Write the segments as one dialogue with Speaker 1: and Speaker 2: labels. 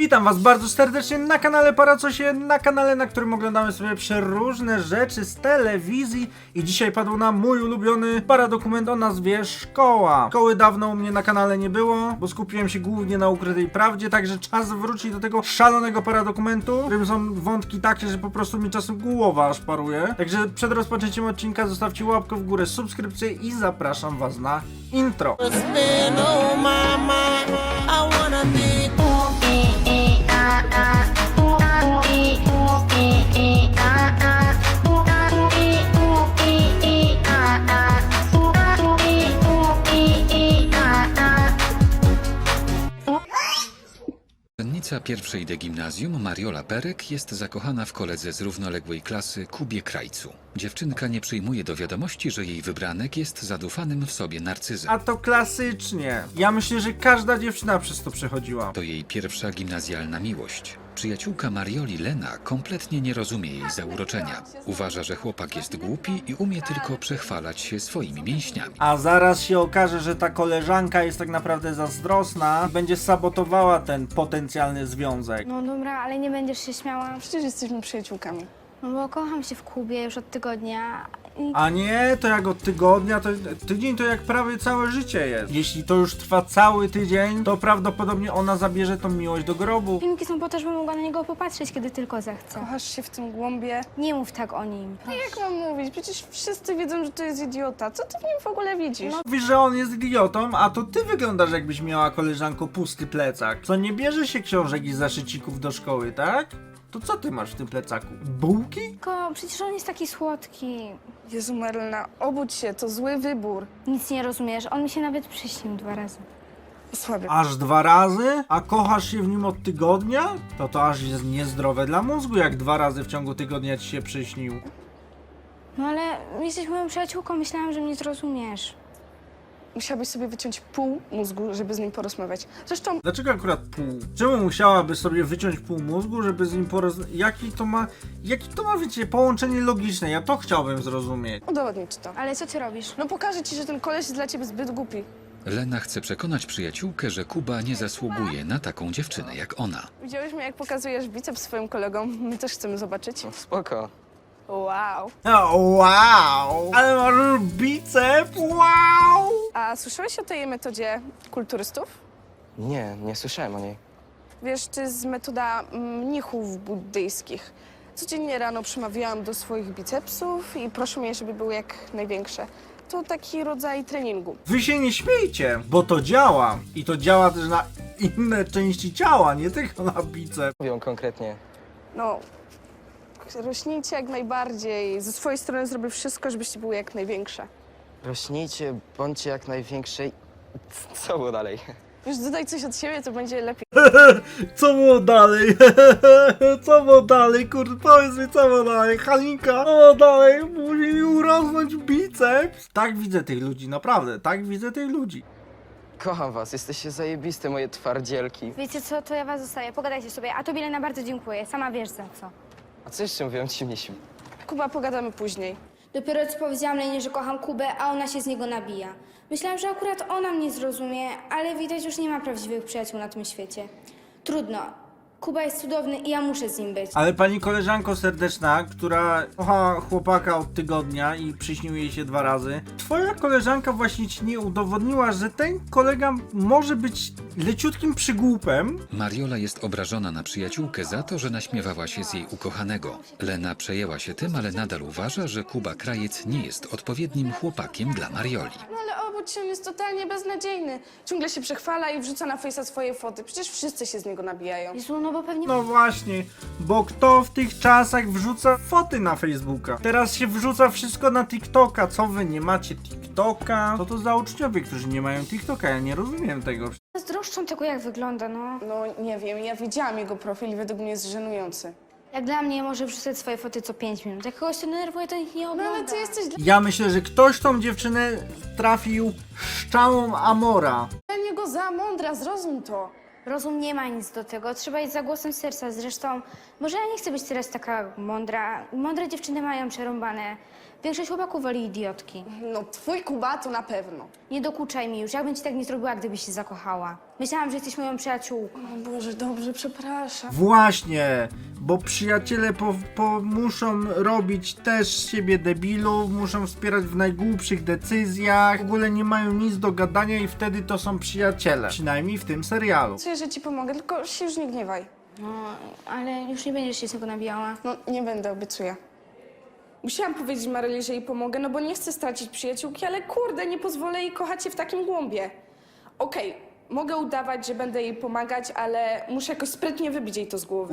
Speaker 1: Witam was bardzo serdecznie na kanale Paracosie, na kanale, na którym oglądamy sobie przeróżne rzeczy z telewizji i dzisiaj padł nam mój ulubiony paradokument o nazwie Szkoła. Szkoły dawno u mnie na kanale nie było, bo skupiłem się głównie na Ukrytej Prawdzie, także czas wrócić do tego szalonego paradokumentu, w którym są wątki takie, że po prostu mi czasem głowa aż paruje. Także przed rozpoczęciem odcinka zostawcie łapkę w górę, subskrypcję i zapraszam was na intro.
Speaker 2: Uczennica pierwszej D gimnazjum Mariola Perek jest zakochana w koledze z równoległej klasy Kubie Krajcu. Dziewczynka nie przyjmuje do wiadomości, że jej wybranek jest zadufanym w sobie narcyzem.
Speaker 1: A to klasycznie. Ja myślę, że każda dziewczyna przez to przechodziła.
Speaker 2: To jej pierwsza gimnazjalna miłość. Przyjaciółka Marioli, Lena, kompletnie nie rozumie jej zauroczenia. Uważa, że chłopak jest głupi i umie tylko przechwalać się swoimi mięśniami.
Speaker 1: A zaraz się okaże, że ta koleżanka jest tak naprawdę zazdrosna i będzie sabotowała ten potencjalny związek.
Speaker 3: No dobra, ale nie będziesz się śmiała.
Speaker 4: Przecież jesteśmy przyjaciółkami.
Speaker 3: No bo kocham się w Kubie już od tygodnia.
Speaker 1: A nie, to jak od tygodnia, to tydzień to jak prawie całe życie jest. Jeśli to już trwa cały tydzień, to prawdopodobnie ona zabierze tą miłość do grobu.
Speaker 3: Filmiki są po to, żebym mogła na niego popatrzeć, kiedy tylko zechcę.
Speaker 4: Kochasz się w tym głąbie.
Speaker 3: Nie mów tak o nim.
Speaker 4: No jak mam mówić? Przecież wszyscy wiedzą, że to jest idiota. Co ty w nim w ogóle widzisz?
Speaker 3: No.
Speaker 1: Mówisz, że on jest idiotą, a to ty wyglądasz, jakbyś miała, koleżanko, pusty plecak. Co, nie bierze się książek i zaszycików do szkoły, tak? To co ty masz w tym plecaku? Bułki?
Speaker 3: Tylko przecież on jest taki słodki.
Speaker 4: Jezu Marlena, obudź się, to zły wybór.
Speaker 3: Nic nie rozumiesz, on mi się nawet przyśnił 2 razy.
Speaker 4: Słaby.
Speaker 1: Aż 2 razy? A kochasz się w nim od tygodnia? To aż jest niezdrowe dla mózgu, jak 2 razy w ciągu tygodnia ci się przyśnił.
Speaker 3: No ale jesteś moją przyjaciółką, myślałam, że mnie zrozumiesz.
Speaker 4: Musiałabyś sobie wyciąć pół mózgu, żeby z nim porozmawiać. Zresztą
Speaker 1: Dlaczego akurat pół? Czemu musiałaby sobie wyciąć pół mózgu, żeby z nim porozmawiać? Jaki to ma, wiecie, połączenie logiczne? Ja to chciałbym zrozumieć.
Speaker 4: udowodnić to.
Speaker 3: Ale co ty robisz?
Speaker 4: No pokażę ci, że ten koleś jest dla ciebie zbyt głupi.
Speaker 2: Lena chce przekonać przyjaciółkę, że Kuba nie zasługuje na taką dziewczynę jak ona.
Speaker 4: Widziałeś mnie, jak pokazujesz biceps swoim kolegom? My też chcemy zobaczyć.
Speaker 5: Spoko.
Speaker 4: Wow.
Speaker 1: O, wow! Ale masz bicep? Wow!
Speaker 4: A słyszałeś o tej metodzie kulturystów?
Speaker 5: Nie słyszałem o niej.
Speaker 4: Wiesz, to jest metoda mnichów buddyjskich. Codziennie rano przemawiałam do swoich bicepsów i proszę mnie, żeby były jak największe. To taki rodzaj treningu.
Speaker 1: Wy się nie śmiejcie, bo to działa. I to działa też na inne części ciała, nie tylko na bicep.
Speaker 5: Mówią konkretnie.
Speaker 4: No, rośnijcie jak najbardziej. Ze swojej strony zrobię wszystko, żebyście były jak największe.
Speaker 5: Rośnijcie, bądźcie jak największej. Co było dalej?
Speaker 4: Już dodaj coś od siebie, to będzie lepiej.
Speaker 1: Co było dalej? Co było dalej? Kurde, powiedz mi, co było dalej? Halinka, co było dalej? Musi mi urosnąć biceps. Tak widzę tych ludzi, naprawdę, tak widzę tych ludzi.
Speaker 5: Kocham was, jesteście zajebiste, moje twardzielki.
Speaker 3: Wiecie co, to ja was zostawię, pogadajcie sobie. A tobie, Lena, bardzo dziękuję, sama wiesz za co.
Speaker 5: A co jeszcze mówią ci mnisi?
Speaker 4: Kuba, pogadamy później.
Speaker 3: Dopiero co powiedziałam Lenie, że kocham Kubę, a ona się z niego nabija. Myślałam, że akurat ona mnie zrozumie, ale widać, już nie ma prawdziwych przyjaciół na tym świecie. Trudno. Kuba jest cudowny i ja muszę z nim być.
Speaker 1: Ale pani koleżanko serdeczna, która kocha chłopaka od tygodnia i przyśnił jej się 2 razy, twoja koleżanka właśnie ci nie udowodniła, że ten kolega może być leciutkim przygłupem.
Speaker 2: Mariola jest obrażona na przyjaciółkę za to, że naśmiewała się z jej ukochanego. Lena przejęła się tym, ale nadal uważa, że Kuba Krajec nie jest odpowiednim chłopakiem dla Marioli.
Speaker 4: No ale obudź się, on jest totalnie beznadziejny. Ciągle się przechwala i wrzuca na Face'a swoje foty. Przecież wszyscy się z niego nabijają.
Speaker 3: Jezu, no bo pewnie...
Speaker 1: No właśnie, bo kto w tych czasach wrzuca foty na Facebooka? Teraz się wrzuca wszystko na TikToka. Co wy, nie macie TikToka? Co to za uczniowie, którzy nie mają TikToka? Ja nie rozumiem tego.
Speaker 3: Zazdroszczą tego, jak wygląda, no.
Speaker 4: No nie wiem, ja widziałam jego profil i według mnie jest żenujący.
Speaker 3: Jak dla mnie może wrzucać swoje foty co 5 minut. Jak kogoś to denerwuje, to nikt nie
Speaker 4: No
Speaker 3: ogląda.
Speaker 4: ale ty jesteś
Speaker 1: Ja myślę, że ktoś tą dziewczynę trafił szczałą Amora.
Speaker 4: dla niego za mądra, zrozum to.
Speaker 3: Rozum nie ma nic do tego, trzeba iść za głosem serca. Zresztą, może ja nie chcę być teraz taka mądra. Mądre dziewczyny mają przerąbane. Większość chłopaków woli idiotki.
Speaker 4: No, twój Kuba to na pewno.
Speaker 3: Nie dokuczaj mi już, ja bym ci tak nie zrobiła, gdybyś się zakochała. Myślałam, że jesteś moją przyjaciółką.
Speaker 4: O Boże, dobrze, przepraszam.
Speaker 1: Właśnie, bo przyjaciele muszą robić też z siebie debilów, muszą wspierać w najgłupszych decyzjach, w ogóle nie mają nic do gadania i wtedy to są przyjaciele. Przynajmniej w tym serialu.
Speaker 4: Czuję, że ci pomogę, tylko się już nie gniewaj.
Speaker 3: No, ale już nie będziesz się z tego nabijała.
Speaker 4: No, nie będę, obiecuję. Musiałam powiedzieć Maryli, że jej pomogę, no bo nie chcę stracić przyjaciółki, ale kurde, nie pozwolę jej kochać się w takim głąbie. Okej, mogę udawać, że będę jej pomagać, ale muszę jakoś sprytnie wybić jej to z głowy.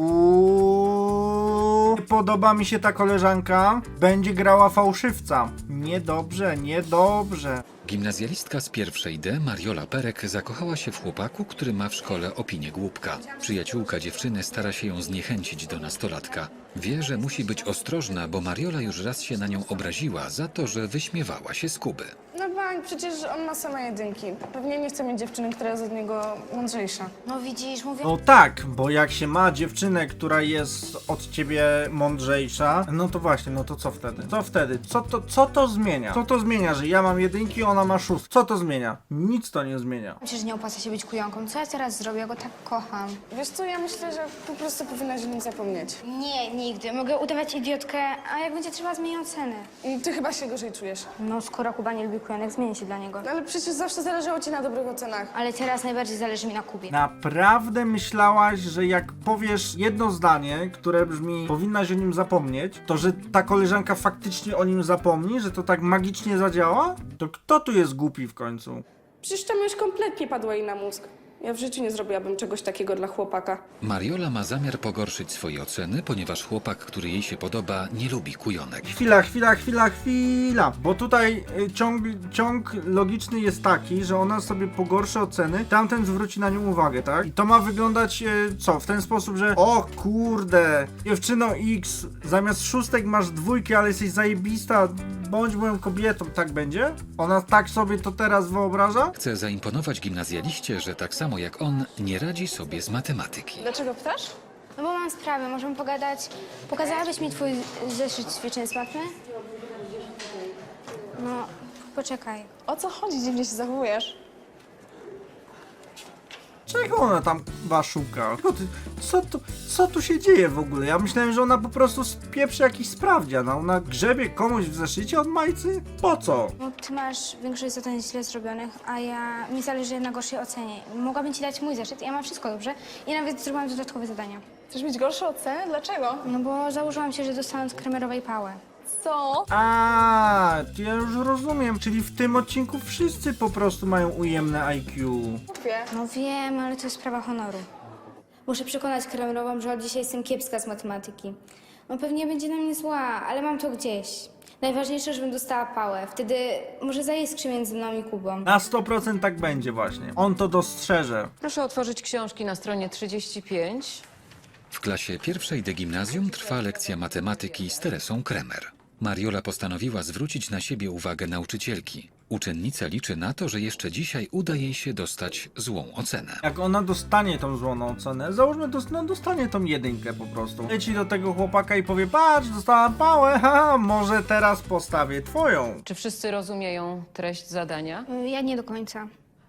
Speaker 1: Podoba mi się ta koleżanka. Będzie grała fałszywca. Niedobrze, niedobrze.
Speaker 2: Gimnazjalistka z pierwszej D, Mariola Perek, zakochała się w chłopaku, który ma w szkole opinię głupka. Przyjaciółka dziewczyny stara się ją zniechęcić do nastolatka. Wie, że musi być ostrożna, bo Mariola już raz się na nią obraziła za to, że wyśmiewała się z Kuby.
Speaker 4: No bank, przecież on ma same jedynki. Pewnie nie chce mieć dziewczyny, która jest od niego mądrzejsza.
Speaker 3: No widzisz, mówię...
Speaker 1: No tak, bo jak się ma dziewczynę, która jest od ciebie mądrzejsza, no to właśnie, no to co wtedy? Co wtedy? Co to zmienia? Co to zmienia, że ja mam jedynki, ona ma szóstkę? Co to zmienia? Nic to nie zmienia.
Speaker 3: Myślę, że nie opłaca się być kujonką. Co ja teraz zrobię? Ja go tak kocham.
Speaker 4: Wiesz co, ja myślę, że po prostu powinnaś o nim zapomnieć.
Speaker 3: Nie, nigdy. Mogę udawać idiotkę, a jak będzie trzeba, zmienię ocenę.
Speaker 4: Ty chyba się gorzej czujesz.
Speaker 3: No, skoro Kuba nie lubi kujonek, zmienię się dla niego.
Speaker 4: No ale przecież zawsze zależało ci na dobrych ocenach.
Speaker 3: Ale teraz najbardziej zależy mi na Kubie.
Speaker 1: Naprawdę myślałaś, że jak powiesz jedno zdanie, które brzmi powinnaś o nim zapomnieć, to że ta koleżanka faktycznie o nim zapomni, że to tak magicznie zadziała? To kto tu jest głupi w końcu?
Speaker 4: Przecież ta myśl kompletnie padła jej na mózg. Ja w życiu nie zrobiłabym czegoś takiego dla chłopaka.
Speaker 2: Mariola ma zamiar pogorszyć swoje oceny, ponieważ chłopak, który jej się podoba, nie lubi kujonek.
Speaker 1: Chwila, bo tutaj ciąg logiczny jest taki, że ona sobie pogorszy oceny, tamten zwróci na nią uwagę, tak? I to ma wyglądać co? W ten sposób, że o kurde, dziewczyno X, zamiast szóstek masz dwójki, ale jesteś zajebista, bądź moją kobietą, tak będzie? Ona tak sobie to teraz wyobraża?
Speaker 2: Chce zaimponować gimnazjaliście, że tak samo jak on, nie radzi sobie z matematyki.
Speaker 4: Dlaczego pytasz?
Speaker 3: No bo mam sprawę, możemy pogadać. Pokazałabyś mi twój zeszyt ćwiczeń z matmy? No, poczekaj.
Speaker 4: O co chodzi? Dziwnie się zachowujesz.
Speaker 1: Czego ona tam szuka? Co tu się dzieje w ogóle? Ja myślałem, że ona po prostu spieprzy jakiś sprawdzian, a ona grzebie komuś w zeszycie od majcy? Po co?
Speaker 3: No, ty masz większość zadań źle zrobionych, a mi zależy na gorszej ocenie. Mogłabym ci dać mój zeszyt, ja mam wszystko dobrze i nawet zrobiłam dodatkowe zadania.
Speaker 4: Chcesz mieć gorsze oceny? Dlaczego?
Speaker 3: No bo założyłam się, że dostanę od kremerowej pałę.
Speaker 4: Co?
Speaker 1: A, to ja już rozumiem, czyli w tym odcinku wszyscy po prostu mają ujemne IQ.
Speaker 4: Wie.
Speaker 3: No wiem, ale to jest sprawa honoru. Muszę przekonać kremerową, że od dzisiaj jestem kiepska z matematyki. No pewnie będzie na mnie zła, ale mam to gdzieś. Najważniejsze, żebym dostała pałę. Wtedy może zaiskrzy między mną i Kubą.
Speaker 1: Na 100% tak będzie właśnie. On to dostrzeże.
Speaker 6: Proszę otworzyć książki na stronie 35.
Speaker 2: W klasie pierwszej D gimnazjum trwa lekcja matematyki z Teresą Kremer. Mariola postanowiła zwrócić na siebie uwagę nauczycielki. Uczennica liczy na to, że jeszcze dzisiaj uda jej się dostać złą ocenę.
Speaker 1: Jak ona dostanie tą złą ocenę, załóżmy, dostanie tą jedynkę po prostu. Leci do tego chłopaka i powie, patrz, dostałam pałę, haha, może teraz postawię twoją.
Speaker 6: Czy wszyscy rozumieją treść zadania?
Speaker 3: Ja nie do końca.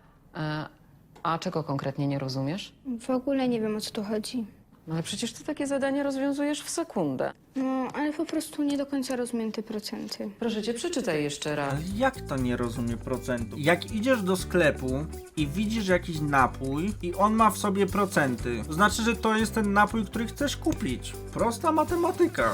Speaker 6: A czego konkretnie nie rozumiesz?
Speaker 3: W ogóle nie wiem, o co tu chodzi.
Speaker 6: No ale przecież ty takie zadanie rozwiązujesz w sekundę.
Speaker 3: No, ale po prostu nie do końca rozumiem te procenty.
Speaker 6: Proszę cię, przeczytaj jeszcze raz.
Speaker 1: Ale jak to nie rozumie procentu? Jak idziesz do sklepu i widzisz jakiś napój i on ma w sobie procenty, to znaczy, że to jest ten napój, który chcesz kupić. Prosta matematyka.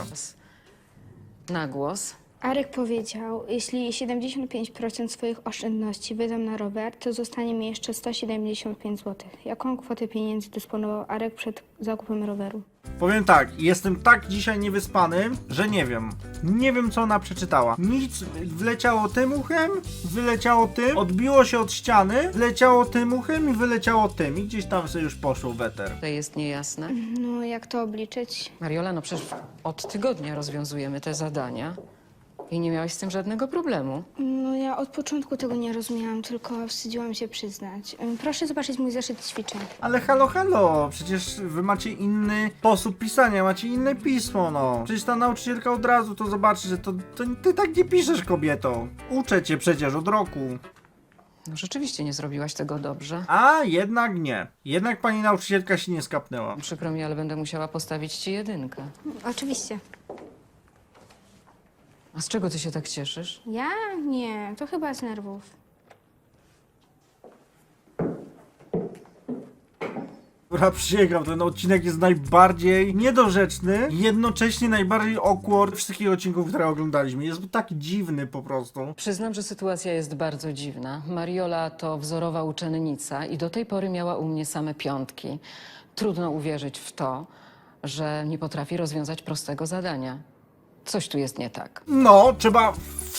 Speaker 6: Na głos.
Speaker 3: Arek powiedział, jeśli 75% swoich oszczędności wydam na rower, to zostanie mi jeszcze 175 zł. Jaką kwotę pieniędzy dysponował Arek przed zakupem roweru?
Speaker 1: Powiem tak, jestem tak dzisiaj niewyspany, że nie wiem. Nie wiem, co ona przeczytała. Nic wleciało tym uchem, wyleciało tym, odbiło się od ściany, wleciało tym uchem i wyleciało tym. I gdzieś tam sobie już poszło weter.
Speaker 6: To jest niejasne.
Speaker 3: No, jak to obliczyć?
Speaker 6: Mariola, no przecież od tygodnia rozwiązujemy te zadania i nie miałaś z tym żadnego problemu.
Speaker 3: No, ja ja od początku tego nie rozumiałam, tylko wstydziłam się przyznać. Proszę zobaczyć mój zeszyt ćwiczeń.
Speaker 1: Ale halo, halo, przecież wy macie inny sposób pisania, macie inne pismo, no. Przecież ta nauczycielka od razu to zobaczy, że to ty tak nie piszesz, kobieto. Uczę cię przecież od roku.
Speaker 6: No, rzeczywiście nie zrobiłaś tego dobrze.
Speaker 1: A jednak nie. Jednak pani nauczycielka się nie skapnęła.
Speaker 6: Przykro mi, ale będę musiała postawić ci 1.
Speaker 3: Oczywiście.
Speaker 6: A z czego ty się tak cieszysz?
Speaker 3: Ja? Nie, to chyba z nerwów.
Speaker 1: Dobra, przysięgam, ten odcinek jest najbardziej niedorzeczny i jednocześnie najbardziej awkward wszystkich odcinków, które oglądaliśmy. Jest taki dziwny po prostu.
Speaker 6: Przyznam, że sytuacja jest bardzo dziwna. Mariola to wzorowa uczennica i do tej pory miała u mnie same 5. Trudno uwierzyć w to, że nie potrafi rozwiązać prostego zadania. Coś tu jest nie tak.
Speaker 1: No, trzeba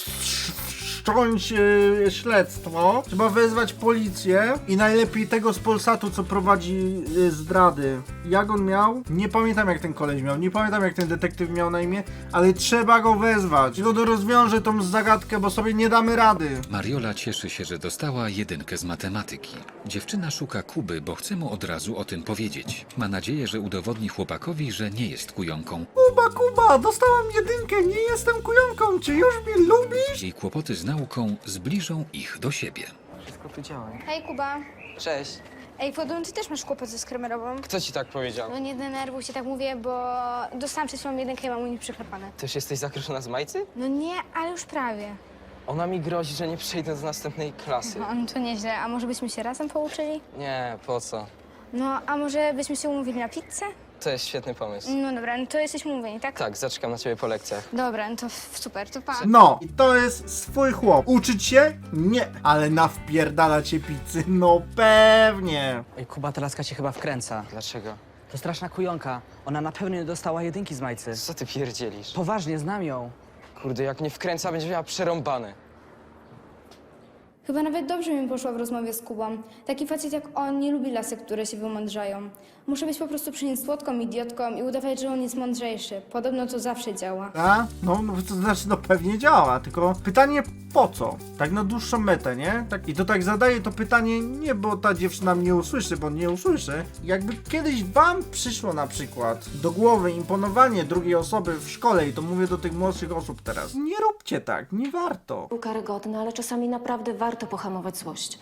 Speaker 1: wszcząć śledztwo, trzeba wezwać policję i najlepiej tego z Polsatu, co prowadzi zdrady. Jak on miał? Nie pamiętam jak ten koleś miał, nie pamiętam jak ten detektyw miał na imię, ale trzeba go wezwać. I to rozwiąże tą zagadkę, bo sobie nie damy rady.
Speaker 2: Mariola cieszy się, że dostała 1 z matematyki. Dziewczyna szuka Kuby, bo chce mu od razu o tym powiedzieć. Ma nadzieję, że udowodni chłopakowi, że nie jest kujonką.
Speaker 1: Kuba, dostałam 1, nie jestem kujonką, czy już mnie lubisz?
Speaker 2: Jej kłopoty z nauką zbliżą ich do siebie.
Speaker 5: Wszystko tu działa.
Speaker 3: Hej, Kuba.
Speaker 5: Cześć.
Speaker 3: Ej, Wodun, ty też masz kłopot ze skremerową?
Speaker 5: Kto ci tak powiedział?
Speaker 3: No nie denerwuj się, tak mówię, bo dostałam przed chwilą 1 i mam u nich przyklepane.
Speaker 5: Też jesteś zakruszona z Majcy?
Speaker 3: No nie, ale już prawie.
Speaker 5: Ona mi grozi, że nie przejdę do następnej klasy.
Speaker 3: No, to nieźle. A może byśmy się razem pouczyli?
Speaker 5: Nie, po co?
Speaker 3: No, a może byśmy się umówili na pizzę?
Speaker 5: To jest świetny pomysł.
Speaker 3: No dobra, no to jesteśmy umówieni, tak?
Speaker 5: Tak, zaczekam na ciebie po lekcjach.
Speaker 3: Dobra, no to super, to pa.
Speaker 1: No, i to jest swój chłop. Uczyć się? Nie, ale nawpierdala cię pizzy? No pewnie.
Speaker 7: Ej, Kuba, ta laska cię chyba wkręca.
Speaker 5: Dlaczego?
Speaker 7: To straszna kujonka. Ona na pewno nie dostała 1 z Majcy.
Speaker 5: Co ty pierdzielisz?
Speaker 7: Poważnie, znam ją.
Speaker 5: Kurde, jak mnie wkręca, będzie miała przerąbane.
Speaker 3: Chyba nawet dobrze mi poszło w rozmowie z Kubą. Taki facet jak on nie lubi lasek, które się wymądrzają. Muszę być po prostu przy nim słodką idiotką i udawać, że on jest mądrzejszy. Podobno to zawsze działa.
Speaker 1: A? No, to znaczy, no pewnie działa, tylko pytanie po co? Tak na dłuższą metę, nie? Tak, i to tak zadaję to pytanie nie, bo ta dziewczyna mnie usłyszy, bo nie usłyszy. Jakby kiedyś wam przyszło na przykład do głowy imponowanie drugiej osoby w szkole, i to mówię do tych młodszych osób teraz, nie róbcie tak, nie warto.
Speaker 8: Był karygodny, ale czasami naprawdę warto pohamować złość.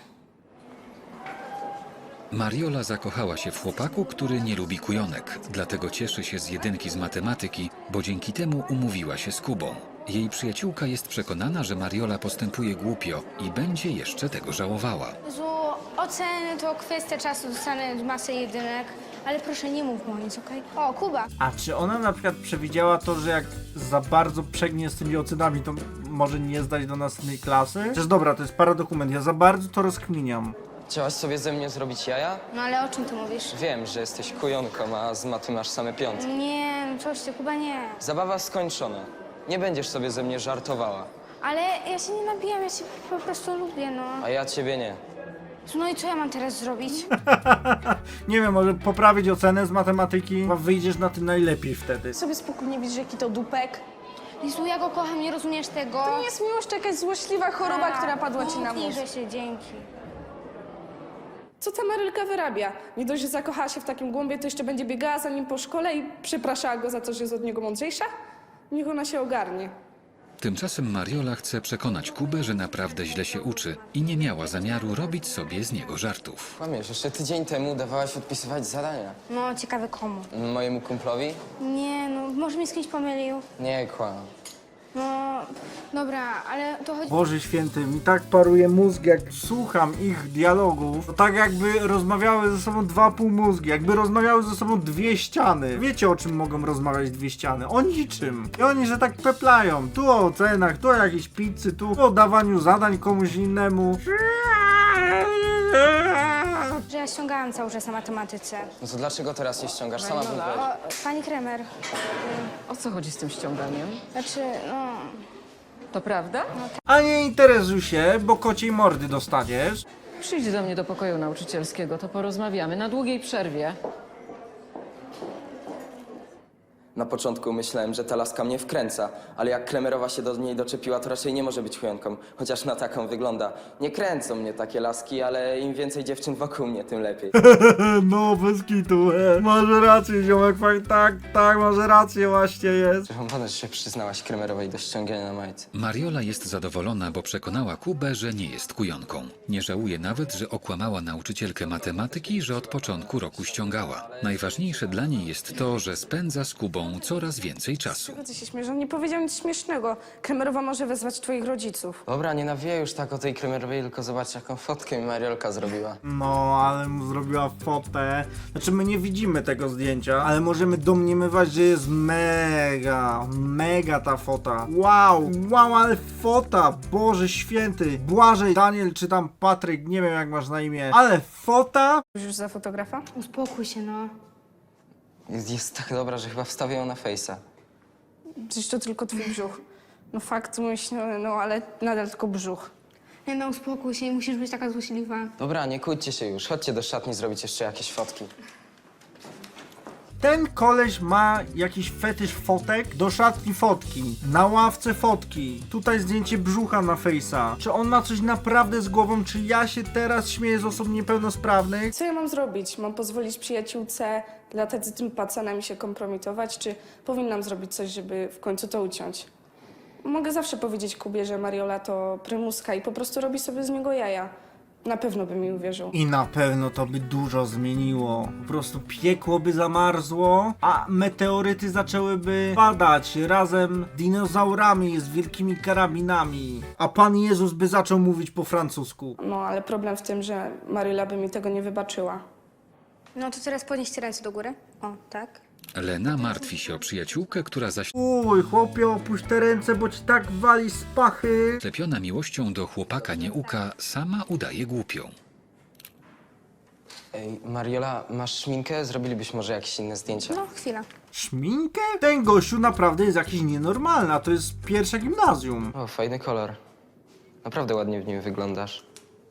Speaker 2: Mariola zakochała się w chłopaku, który nie lubi kujonek. Dlatego cieszy się z 1 z matematyki, bo dzięki temu umówiła się z Kubą. Jej przyjaciółka jest przekonana, że Mariola postępuje głupio i będzie jeszcze tego żałowała.
Speaker 3: Jezu, oceny to kwestia czasu, dostanę masę 1, ale proszę nie mów mu nic, okej? O, Kuba!
Speaker 1: A czy ona na przykład przewidziała to, że jak za bardzo przegnie z tymi ocenami, to może nie zdać do następnej klasy? Przecież dobra, to jest paradokument, ja za bardzo to rozkminiam.
Speaker 5: Chciałaś sobie ze mnie zrobić jaja?
Speaker 3: No ale o czym ty mówisz?
Speaker 5: Wiem, że jesteś kujonką, a z maty masz same 5.
Speaker 3: Nie, no coś ty, Kuba, nie.
Speaker 5: Zabawa skończona. Nie będziesz sobie ze mnie żartowała,
Speaker 3: Ale ja się nie nabijam, ja cię po prostu lubię, no.
Speaker 5: a ja ciebie nie.
Speaker 3: No i co ja mam teraz zrobić?
Speaker 1: Nie wiem, może poprawić ocenę z matematyki, a wyjdziesz na tym najlepiej wtedy.
Speaker 4: Sobie spokojnie widzisz, jaki to dupek.
Speaker 3: Jezu, ja go kocham, nie rozumiesz tego?
Speaker 4: To nie jest miłość, to jakaś złośliwa choroba, która padła ci na mózg.
Speaker 3: że się dzięki.
Speaker 4: Co ta Marylka wyrabia? Nie dość, że zakochała się w takim głąbie, to jeszcze będzie biegała za nim po szkole i przepraszała go za to, że jest od niego mądrzejsza? Niech ona się ogarnie.
Speaker 2: Tymczasem Mariola chce przekonać Kubę, że naprawdę źle się uczy i nie miała zamiaru robić sobie z niego żartów.
Speaker 5: Kłamiesz, jeszcze tydzień temu dawałaś odpisywać zadania.
Speaker 3: No, ciekawe komu.
Speaker 5: Mojemu kumplowi?
Speaker 3: Nie, no, może mnie z kimś pomylił.
Speaker 5: Nie, kłam.
Speaker 3: No, dobra, ale to chodzi...
Speaker 1: Boże święty, mi tak paruje mózg, jak słucham ich dialogów. To tak jakby rozmawiały ze sobą 2,5 mózgi, jakby rozmawiały ze sobą 2 ściany. Wiecie, o czym mogą rozmawiać 2 ściany? O niczym. I oni, że tak peplają. Tu o ocenach, tu o jakiejś pizzy, tu o dawaniu zadań komuś innemu.
Speaker 3: Że ja ściągałam cały czas na matematyce.
Speaker 5: No to dlaczego teraz nie ściągasz? Sama bym powiedział.
Speaker 3: O, pani Kremer,
Speaker 6: O co chodzi z tym ściąganiem?
Speaker 3: znaczy, no...
Speaker 6: To prawda?
Speaker 1: A nie interesuj się, bo kociej mordy dostaniesz.
Speaker 6: Przyjdź do mnie do pokoju nauczycielskiego, to porozmawiamy na długiej przerwie.
Speaker 5: Na początku myślałem, że ta laska mnie wkręca, ale jak Kremerowa się do niej doczepiła, to raczej nie może być chujonką, chociaż na taką wygląda. Nie kręcą mnie takie laski, ale im więcej dziewczyn wokół mnie, tym lepiej.
Speaker 1: No, bez kitu, masz rację, ziomek, tak, masz rację, właśnie jest.
Speaker 5: Przerąbane, że się przyznałaś Kremerowej do ściągania na majce.
Speaker 2: Mariola jest zadowolona, bo przekonała Kubę, że nie jest kujonką. Nie żałuje nawet, że okłamała nauczycielkę matematyki, że od początku roku ściągała. Najważniejsze dla niej jest to, że spędza z Kubą coraz więcej czasu.
Speaker 4: Czego ty się śmiesz? On nie powiedział nic śmiesznego. Kremerowa może wezwać twoich rodziców.
Speaker 5: Dobra, nie nawijaj już tak o tej Kremerowej, tylko zobacz, jaką fotkę mi Mariolka zrobiła.
Speaker 1: No, ale mu zrobiła fotę. Znaczy, my nie widzimy tego zdjęcia, ale możemy domniemywać, że jest mega ta fota. Wow, ale fota, Boże święty. Błażej, Daniel, czy tam Patryk, nie wiem jak masz na imię, ale fota.
Speaker 4: Już za fotografa?
Speaker 3: Uspokój się, no.
Speaker 5: Jest tak dobra, że chyba wstawię ją na fejsa.
Speaker 4: Przecież to tylko twój brzuch. No fakt, myślę, no ale nadal tylko brzuch.
Speaker 3: Nie no, uspokój się, nie musisz być taka złośliwa.
Speaker 5: Dobra, nie kłóćcie się już, chodźcie do szatni zrobić jeszcze jakieś fotki.
Speaker 1: Ten koleś ma jakiś fetysz fotek, do szatni fotki, na ławce fotki, tutaj zdjęcie brzucha na fejsa. Czy on ma coś naprawdę z głową, czy ja się teraz śmieję z osób niepełnosprawnych?
Speaker 4: Co ja mam zrobić? Mam pozwolić przyjaciółce latać z tym pacanem i się kompromitować, czy powinnam zrobić coś, żeby w końcu to uciąć? Mogę zawsze powiedzieć Kubie, że Mariola to prymuska i po prostu robi sobie z niego jaja. Na pewno by mi uwierzył.
Speaker 1: I na pewno to by dużo zmieniło. Po prostu piekło by zamarzło, a meteoryty zaczęłyby padać razem z dinozaurami, z wielkimi karabinami. A Pan Jezus by zaczął mówić po francusku.
Speaker 4: No, ale problem w tym, że Mariola by mi tego nie wybaczyła.
Speaker 3: No to teraz podnieście ręce do góry. O, tak.
Speaker 2: Lena martwi się o przyjaciółkę, która
Speaker 1: Uj, chłopie, opuść te ręce, bo ci tak wali z pachy.
Speaker 2: zaślepiona miłością do chłopaka Nieuka sama udaje głupią.
Speaker 5: Ej, Mariola, masz szminkę? Zrobilibyśmy może jakieś inne zdjęcia.
Speaker 3: No, chwila.
Speaker 1: Szminkę? Ten gościu naprawdę jest jakiś nienormalny, a to jest pierwsze gimnazjum.
Speaker 5: O, fajny kolor. Naprawdę ładnie w nim wyglądasz.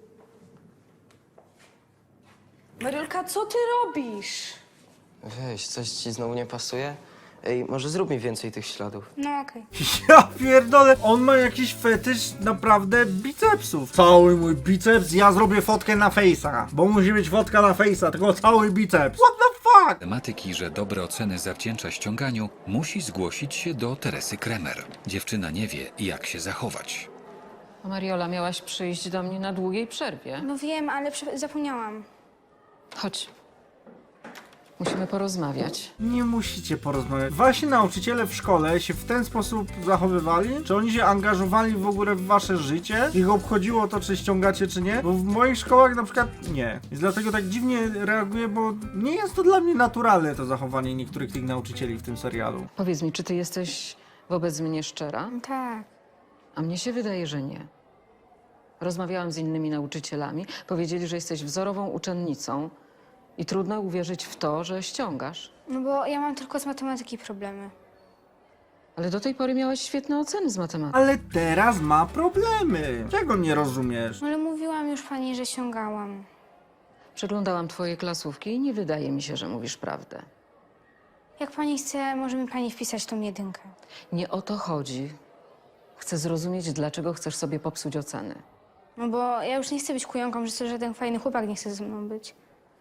Speaker 4: Mariolka, co ty robisz?
Speaker 5: Weź, coś ci znowu nie pasuje? Ej, może zrób mi więcej tych śladów.
Speaker 3: No okej.
Speaker 1: Ja pierdolę, on ma jakiś fetysz naprawdę bicepsów. Cały mój biceps, ja zrobię fotkę na fejsa, bo musi być fotka na fejsa, tylko cały biceps. What the fuck?
Speaker 2: Matematyki, że dobre oceny zawdzięcza ściąganiu, musi zgłosić się do Teresy Kremer. Dziewczyna nie wie, jak się zachować.
Speaker 6: Mariola, miałaś przyjść do mnie na długiej przerwie.
Speaker 3: No wiem, ale zapomniałam.
Speaker 6: Chodź. Musimy porozmawiać.
Speaker 1: Nie musicie porozmawiać. Wasi nauczyciele w szkole się w ten sposób zachowywali? Czy oni się angażowali w ogóle w wasze życie? Ich obchodziło to, czy ściągacie, czy nie? Bo w moich szkołach na przykład nie. I dlatego tak dziwnie reaguję, bo nie jest to dla mnie naturalne to zachowanie niektórych tych nauczycieli w tym serialu.
Speaker 6: Powiedz mi, czy ty jesteś wobec mnie szczera?
Speaker 3: Tak.
Speaker 6: A mnie się wydaje, że nie. Rozmawiałam z innymi nauczycielami. Powiedzieli, że jesteś wzorową uczennicą i trudno uwierzyć w to, że ściągasz.
Speaker 3: No bo ja mam tylko z matematyki problemy.
Speaker 6: Ale do tej pory miałaś świetne oceny z matematyki.
Speaker 1: Ale teraz ma problemy. Czego nie rozumiesz?
Speaker 3: Ale mówiłam już pani, że ściągałam.
Speaker 6: Przeglądałam twoje klasówki i nie wydaje mi się, że mówisz prawdę.
Speaker 3: Jak pani chce, może mi pani wpisać tą jedynkę.
Speaker 6: Nie o to chodzi. Chcę zrozumieć, dlaczego chcesz sobie popsuć oceny.
Speaker 3: No bo ja już nie chcę być kujonką, że to żaden fajny chłopak nie chce ze mną być.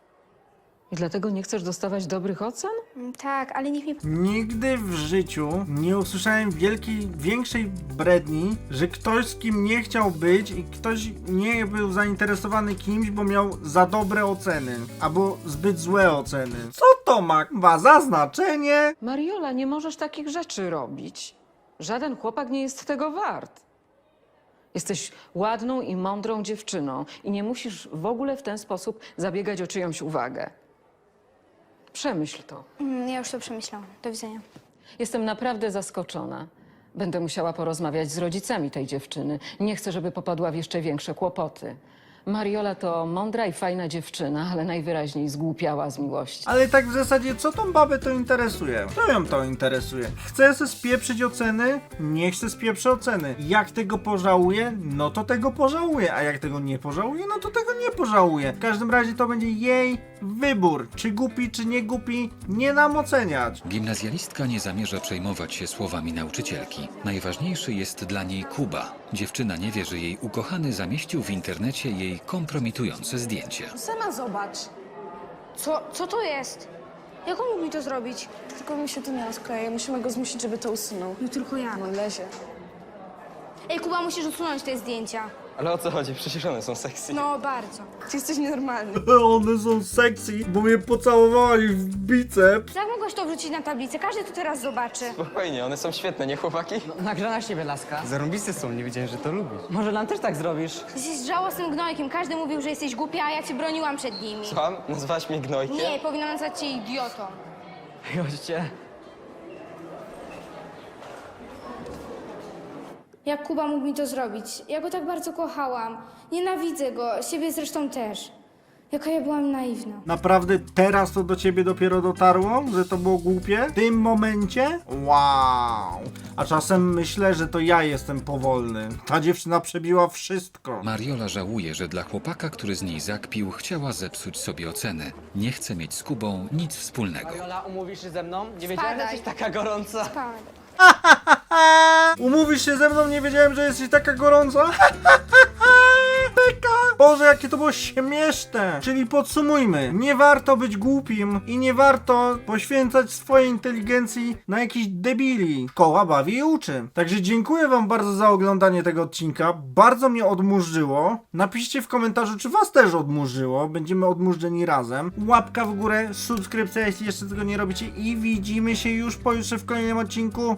Speaker 6: I dlatego nie chcesz dostawać dobrych ocen?
Speaker 3: Tak, ale niech mi...
Speaker 1: Nigdy w życiu nie usłyszałem większej bredni, że ktoś z kim nie chciał być i ktoś nie był zainteresowany kimś, bo miał za dobre oceny, albo zbyt złe oceny. Co to ma za znaczenie?
Speaker 6: Mariola, nie możesz takich rzeczy robić. Żaden chłopak nie jest tego wart. Jesteś ładną i mądrą dziewczyną i nie musisz w ogóle w ten sposób zabiegać o czyjąś uwagę. Przemyśl to.
Speaker 3: Ja już to przemyślałam. Do widzenia.
Speaker 6: Jestem naprawdę zaskoczona. Będę musiała porozmawiać z rodzicami tej dziewczyny. Nie chcę, żeby popadła w jeszcze większe kłopoty. Mariola to mądra i fajna dziewczyna, ale najwyraźniej zgłupiała z miłości.
Speaker 1: Ale tak w zasadzie, co tą babę to interesuje? Co ją to interesuje? Chce se spieprzyć oceny? Niech se spieprzy oceny. Jak tego pożałuje? No to tego pożałuje. A jak tego nie pożałuje? No to tego nie pożałuje. W każdym razie to będzie jej wybór. Czy głupi, czy nie głupi, nie nam oceniać.
Speaker 2: Gimnazjalistka nie zamierza przejmować się słowami nauczycielki. Najważniejszy jest dla niej Kuba. Dziewczyna nie wie, że jej ukochany zamieścił w internecie jej kompromitujące zdjęcie.
Speaker 4: Sama zobacz.
Speaker 3: Co to jest? Jak on mógł mi to zrobić?
Speaker 4: Tylko mi się to nie rozkleje. Musimy go zmusić, żeby to usunął.
Speaker 3: No tylko ja.
Speaker 4: No lezie.
Speaker 3: Ej, Kuba, musisz usunąć te zdjęcia.
Speaker 5: Ale o co chodzi? Przecież one są sexy.
Speaker 3: No, bardzo.
Speaker 4: Ty jesteś nienormalny.
Speaker 1: One są sexy, bo mnie pocałowali w biceps.
Speaker 3: Jak mogłaś to wrzucić na tablicę? Każdy to teraz zobaczy.
Speaker 5: Spokojnie, one są świetne, nie chłopaki?
Speaker 7: Nagrana z ciebie, laska.
Speaker 9: Zarąbiste są, nie wiedziałem, że to lubisz.
Speaker 7: Może nam też tak zrobisz?
Speaker 3: Jesteś żałosnym gnojkiem. Każdy mówił, że jesteś głupia, a ja cię broniłam przed nimi.
Speaker 5: Słucham? Nazwałaś mnie gnojkiem?
Speaker 3: Nie, powinnam nazwać cię idiotą.
Speaker 7: Chodźcie.
Speaker 3: Jak Kuba mógł mi to zrobić? Ja go tak bardzo kochałam. Nienawidzę go, siebie zresztą też. Jaka ja byłam naiwna.
Speaker 1: Naprawdę teraz to do ciebie dopiero dotarło, że to było głupie? W tym momencie? Wow. A czasem myślę, że to ja jestem powolny. Ta dziewczyna przebiła wszystko.
Speaker 2: Mariola żałuje, że dla chłopaka, który z niej zakpił, chciała zepsuć sobie ocenę. Nie chce mieć z Kubą nic wspólnego.
Speaker 7: Mariola, umówisz się ze mną? Nie wiedziałem, że
Speaker 3: Spadaj.
Speaker 7: jesteś taka gorąca.
Speaker 3: Spadaj.
Speaker 1: Umówisz się ze mną? Nie wiedziałem, że jesteś taka gorąca. Beka. Boże, jakie to było śmieszne. Czyli podsumujmy. Nie warto być głupim i nie warto poświęcać swojej inteligencji na jakichś debili. Koła bawi i uczy. Także dziękuję wam bardzo za oglądanie tego odcinka. Bardzo mnie odmurzyło. Napiszcie w komentarzu, czy was też odmurzyło. Będziemy odmurzeni razem. Łapka w górę, subskrypcja, jeśli jeszcze tego nie robicie. I widzimy się już pojutrze w kolejnym odcinku.